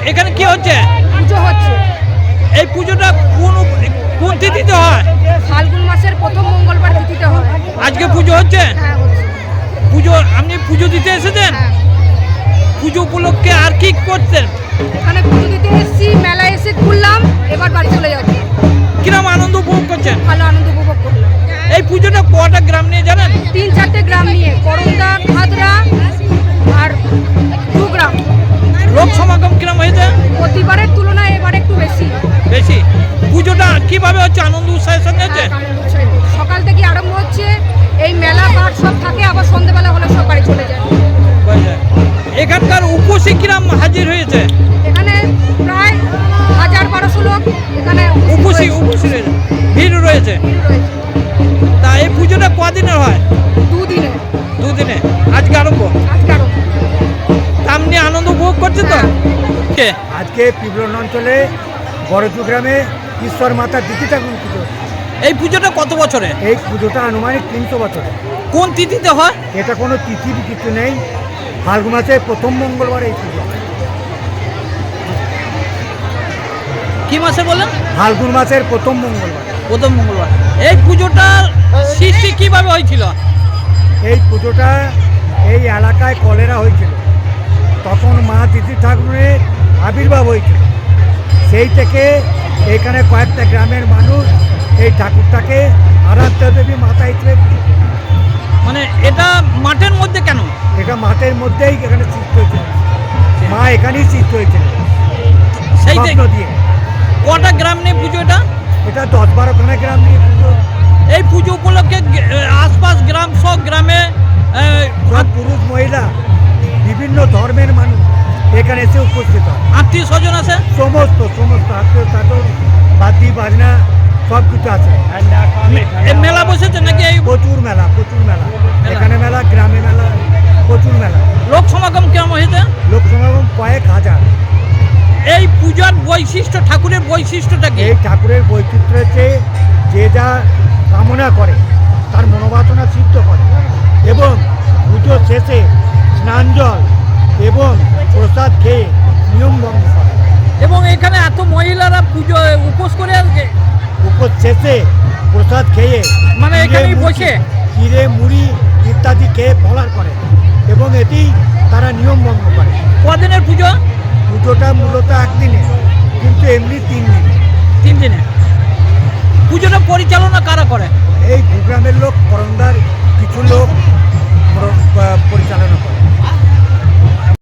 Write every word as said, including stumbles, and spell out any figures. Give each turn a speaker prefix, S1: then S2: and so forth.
S1: এখানে কি হচ্ছে?
S2: পুজো হচ্ছে।
S1: এই পুজোটা কোন কোন তিথিতে হয়?
S2: ফাল্গুন মাসের প্রথম মঙ্গলবার তিথিতে হয়।
S1: আজকে পুজো হচ্ছে?
S2: হ্যাঁ হচ্ছে।
S1: পুজো আপনি পুজো দিতে এসেছেন?
S2: হ্যাঁ।
S1: পুজো উপলক্ষে আর কি করছেন?
S2: এখানে পুজো দিতে এসেছি, মেলা এসে ঘুরলাম, এবার বাড়ি চলে যাচ্ছি।
S1: কিরম আনন্দ উপভোগ করছেন?
S2: ভালো আনন্দ উপভোগ করলাম।
S1: এই পুজোটা কটা গ্রাম নিয়ে জানেন?
S2: তিন চারটে গ্রাম নিয়ে, করন্দা, খাদরা আর দু গ্রাম।
S1: লোক সমাগম কিরম হয়েছে?
S2: প্রতিবারের তুলনায় এবার একটু বেশি।
S1: বেশি। পুজোটা কিভাবে হচ্ছে? আনন্দ উৎসাহের সঙ্গে হচ্ছে?
S2: হ্যাঁ, আনন্দ উৎসাহিত। সকাল থেকে আরম্ভ হচ্ছে, এই মেলা পাট সব থাকে, আবার সন্ধ্যেবেলা হলে সব বাড়ি চলে যায়।
S1: এখানকার উপসী কিরাম হাজির হয়েছে?
S2: এখানে প্রায় হাজার বারোশো লোক এখানে
S1: উপসী উপসী রয়েছে, ভিড় রয়েছে।
S2: রয়েছে।
S1: তা এই পুজোটা কদিনের হয়?
S2: দুদিনে।
S1: দুদিনে। আজকে আরম্ভ।
S2: আজকে আরম্ভ।
S1: সামনে আনন্দ উপভোগ করছে তো? কে?
S3: আজকে পিবলন অঞ্চলে বড়জু গ্রামে ঈশ্বর মাতা দিতি ঠাকুর পুজো।
S1: এই পুজোটা কত বছরে?
S3: এই পুজোটা আনুমানিক তিনশো বছরে।
S1: কোন তিথিতে হয়?
S3: এটা কোনো তিথির কিছু নেই, ফাল্গুন মাসের প্রথম মঙ্গলবার এই পুজো।
S1: কি মাসে বলেন?
S3: ফাল্গুন মাসের প্রথম মঙ্গলবার।
S1: প্রথম মঙ্গলবার। এই পুজোটার সৃষ্টি কিভাবে হয়েছিল?
S3: এই পুজোটা এই এলাকায় কলেরা হয়েছিল, তখন মা দিতি ঠাকুরের আবির্ভাব হয়েছিল। সেই থেকে এখানে কয়েকটা গ্রামের মানুষ এই ঠাকুরটাকে আরাধ্য দেবী মাতা হিসেবে,
S1: মানে এটা মাঠের মধ্যে কেন?
S3: এটা মাঠের মধ্যেই এখানে সৃষ্টি হয়েছিল, মা এখানেই সৃষ্টি হয়েছিল
S1: সেই
S3: স্বপ্ন দিয়ে।
S1: কটা গ্রাম নিয়ে পুজো এটা?
S3: এটা দশ বারোখানা গ্রাম নিয়ে পুজো।
S1: এই পুজো উপলক্ষে গে- আশপাশ গ্রাম সব গ্রামে আহ,
S3: সব পুরুষ মহিলা বিভিন্ন ধর্মের মানুষ এখানে এসে উপস্থিত হয়।
S1: আত্মীয় স্বজন আছে?
S3: সমস্ত সমস্ত আত্মীয় স্বজন বাদি বাজনা সব কিছু আছে।
S1: এই মেলা বসেছে নাকি? এই
S3: প্রচুর মেলা, প্রচুর মেলা, এখানে মেলা, গ্রামে মেলা, প্রচুর মেলা।
S1: লোক সমাগম কেমন হয়েছে?
S3: লোক সমাগম কয়েক হাজার।
S1: এই পূজার বৈশিষ্ট্য, ঠাকুরের বৈশিষ্ট্যটা কি?
S3: এই ঠাকুরের বৈচিত্র্য হচ্ছে যে যা কামনা করে তার মনোবাসনা সিদ্ধ করে, এবং পুজো শেষে স্নান জল এবং প্রসাদ খেয়ে নিয়ম ভঙ্গ করে।
S1: এবং এখানে এত মহিলারা পুজো উপোস করে আজকে
S3: উপর শেষে প্রসাদ খেয়ে
S1: মানে
S3: চিড়ে
S1: এখানেই
S3: মুড়ি-
S1: বসে?
S3: চিড়ে মুড়ি ইত্যাদি খেয়ে ফলার করে, এবং এটি তারা নিয়ম ভঙ্গ করে।
S1: কদিনের পুজো?
S3: পুজোটা মূলত একদিনে, কিন্তু এমনি তিন